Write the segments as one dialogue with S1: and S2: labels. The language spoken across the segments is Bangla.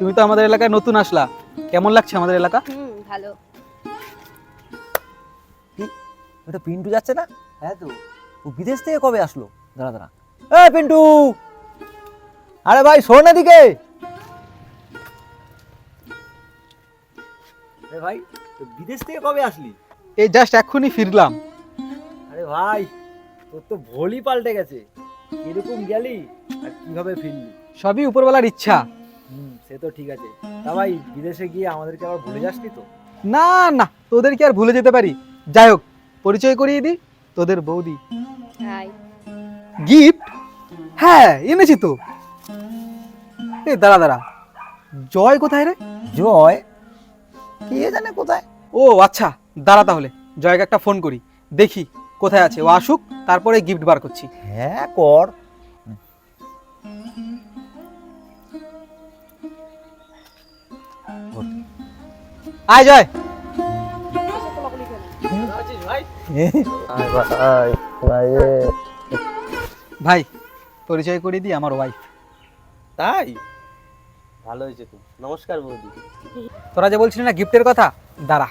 S1: তুমি তো আমাদের এলাকায় নতুন আসলা, কেমন লাগছে আমাদের এলাকা?
S2: ভালো।
S3: ওটা পিন্টু যাচ্ছে না? হ্যাঁ তো, ও বিদেশ থেকে কবে আসলো? দাঁড়া দাঁড়া, এই পিন্টু, আরে ভাই শোন এদিকে। আরে ভাই, তো বিদেশ থেকে কবে আসলি?
S1: এই জাস্ট এক্ষুনি ফিরলাম।
S3: আরে ভাই, তোর তো ভোলই পাল্টে গেছে। কিরকম গেলি আর কিভাবে ফিরলি?
S1: সবই উপরওয়ালার ইচ্ছা।
S3: সে তো ঠিক আছে। তা ভাই, বিদেশে গিয়ে আমাদেরকে আবার ভুলে যাসনি তো?
S1: না না, তোদের কি আর ভুলে যেতে পারি? যাই হোক, পরিচয় করিয়ে দিই, তোদের বৌদি।
S2: হাই।
S1: গিফট? হ্যাঁ এনেছি তো। এ দাঁড়া দাঁড়া, জয় কোথায় রে?
S3: জয় কে জানে কোথায়।
S1: ও আচ্ছা, দাঁড়া তাহলে জয়কে একটা ফোন করি, দেখি কোথায় আছে, ও আসুক তারপরে গিফট বার করছি।
S3: হ্যাঁ কর।
S1: আয় জয়। ভাই পরিচয় করিয়ে দিই, আমার ওয়াইফ।
S4: তাই ভালো হয়েছে তো। নমস্কার বৌদি।
S1: তোরা যে বলছিলি না গিফটের কথা, দাঁড়া।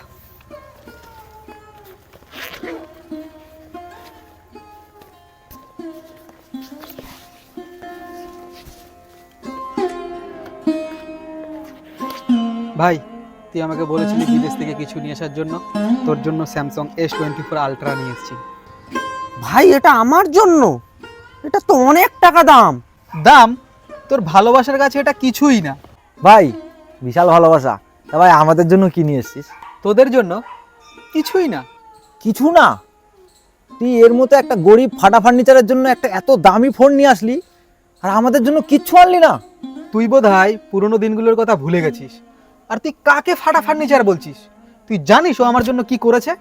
S1: ভাই তুই আমাকে বলেছিলি বিদেশ থেকে কিছু নিয়ে আসার জন্য, তোর জন্য স্যামসাং S24 আলট্রা নিয়ে এসেছি।
S3: ভাই এটা আমার জন্য? এটা তো অনেক টাকা দাম।
S1: দাম? তোর ভালোবাসার কাছে এটা কিছুই না।
S3: ভাই বিশাল ভালোবাসা। তা ভাই আমাদের জন্য কি নিয়ে এসছিস?
S1: তোদের জন্য কিছুই না।
S3: কিছু না? তুই এর মতো একটা গরিব ফাটা ফার্নিচারের জন্য একটা এত দামি ফোন নিয়ে আসলি, আর আমাদের জন্য কিচ্ছু আনলি না?
S1: তুই বোধহয় পুরোনো দিনগুলোর কথা ভুলে গেছিস। আর তুই কাকে ফাটা ফার্নিচার বলছিস? তুই জানিস ও আমার জন্য কি করেছে?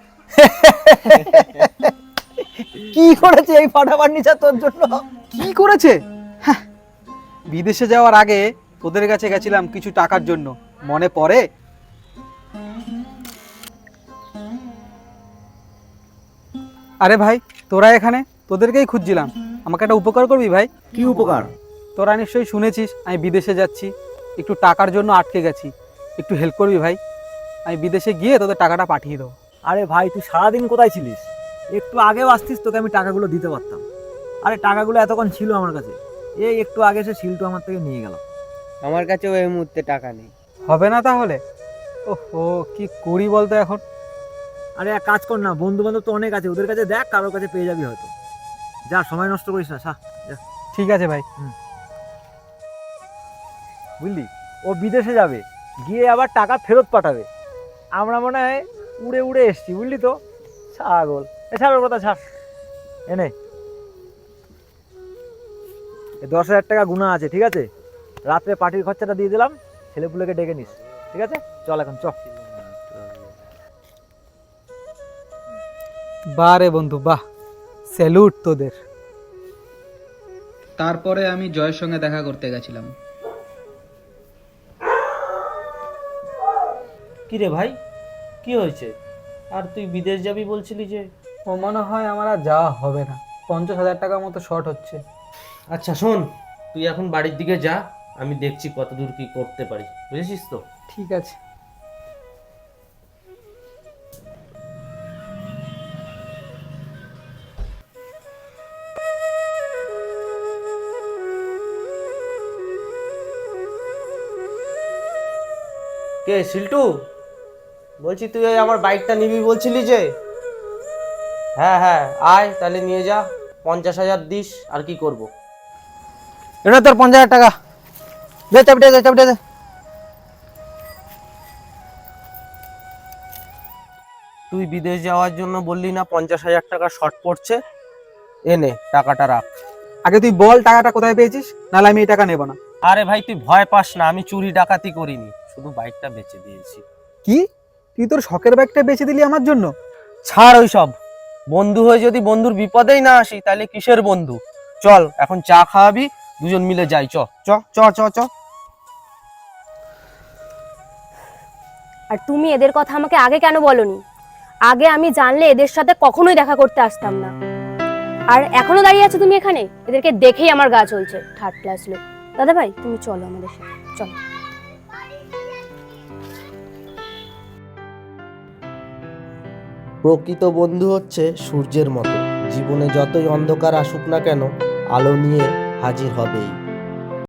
S3: কি করেছে এই ফাটা ফার্নিচার তোর জন্য?
S1: কি করেছে? হ্যাঁ, বিদেশে যাওয়ার আগে তোদের কাছে গেছিলাম কিছু টাকার জন্য, মনে পড়ে? আরে ভাই তোরা এখানে, তোদেরকেই খুঁজছিলাম। আমাকে একটা উপকার করবি ভাই?
S3: কি উপকার?
S1: তোরা নিশ্চয়ই শুনেছিস আমি বিদেশে যাচ্ছি, একটু টাকার জন্য আটকে গেছি, একটু হেল্প করবি ভাই? আমি বিদেশে গিয়ে তোদের টাকাটা পাঠিয়ে দেবো।
S3: আরে ভাই তুই সারাদিন কোথায় ছিলিস? একটু আগেও আসতিস, তোকে আমি টাকাগুলো দিতে পারতাম। আরে টাকাগুলো এতক্ষণ ছিল আমার কাছে, এই একটু আগে সে শিলটু আমার থেকে নিয়ে গেল।
S4: আমার কাছেও এই মুহূর্তে টাকা নেই।
S1: হবে না তাহলে? ওহো, কি করি বলতো এখন?
S3: আরে এক কাজ কর না, বন্ধু বান্ধব তো অনেক আছে, ওদের কাছে দেখ, কারোর কাছে পেয়ে যাবি হয়তো। যা, সময় নষ্ট করিস না, যা।
S1: ঠিক আছে ভাই।
S3: বুঝলি, ও বিদেশে যাবে, গিয়ে আবার টাকা ফেরত পাঠাবে। আমরা মনে হয় উড়ে উড়ে এসছি, বুঝলি তো? ছাগল। ছাড় ওর কথা, ছাড়। এনে 10,000 টাকা গুণা আছে, ঠিক আছে? রাত্রে পার্টির খরচাটা দিয়ে দিলাম, ছেলেপুলেকে ডেকে নিস, ঠিক আছে? চল এখন চল।
S1: বাহ রে বন্ধু বাহ, স্যালুট তোদের। তারপরে আমি জয়ের সঙ্গে দেখা করতে গেছিলাম।
S4: কি রে ভাই, কি হয়েছে? আর তুই বিদেশ যাবি বলছিলি যে?
S1: ও মনে হয় আমার আর যাওয়া হবে না, 50,000 টাকার মতো শর্ট হচ্ছে।
S4: আচ্ছা শোন, তুই এখন বাড়ির দিকে যা, আমি দেখছি কত দূর কি করতে পারি, বুঝেছিস তো?
S1: ঠিক আছে।
S4: কে শিল্টু? বলছি তুই ওই আমার বাইকটা নিবি বলছিলি যে? হ্যাঁ হ্যাঁ, আয় তাহলে নিয়ে যা। 50,000 দিস, আর কি করব?
S3: এটা তোর 50,000 টাকা। দে চাবিটা, দে চাবিটা দে।
S4: তুই বিদেশ যাওয়ার জন্য বললি না 50,000 টাকা শর্ট পড়ছে? এনে টাকাটা রাখ।
S1: আগে তুই বল টাকাটা কোথায় পেয়েছিস, নাহলে আমি এই টাকা নেব না।
S4: আরে ভাই তুই ভয় পাস না, আমি চুরি ডাকাতি করিনি, শুধু বাইকটা বেচে দিয়েছি।
S1: কি? তুই তোর শখের বাইকটা বেচে দিলি আমার জন্য?
S4: ছাড় ওই সব। বন্ধু হয়ে যদি বন্ধুর বিপদেই না আসি তাহলে কিসের বন্ধু? চল এখন চা খাওয়াবি, দুজন মিলে যাই। চ চ চ চ চ।
S2: আর তুমি এদের কথা আমাকে আগে কেন বলনি? আগে আমি জানলে এদের সাথে কখনোই দেখা করতে আসতাম না। আর এখনো দাঁড়িয়ে আছো তুমি এখানে? এদেরকে দেখেই আমার গা চলছে, থার্ড ক্লাস লোক। দাদা ভাই তুমি চলো আমাদের সাথে, চলো।
S4: প্রকৃত বন্ধু হচ্ছে সূর্যের মতো, জীবনে যতই অন্ধকার আসুক না কেন আলো নিয়ে হাজির হবেই।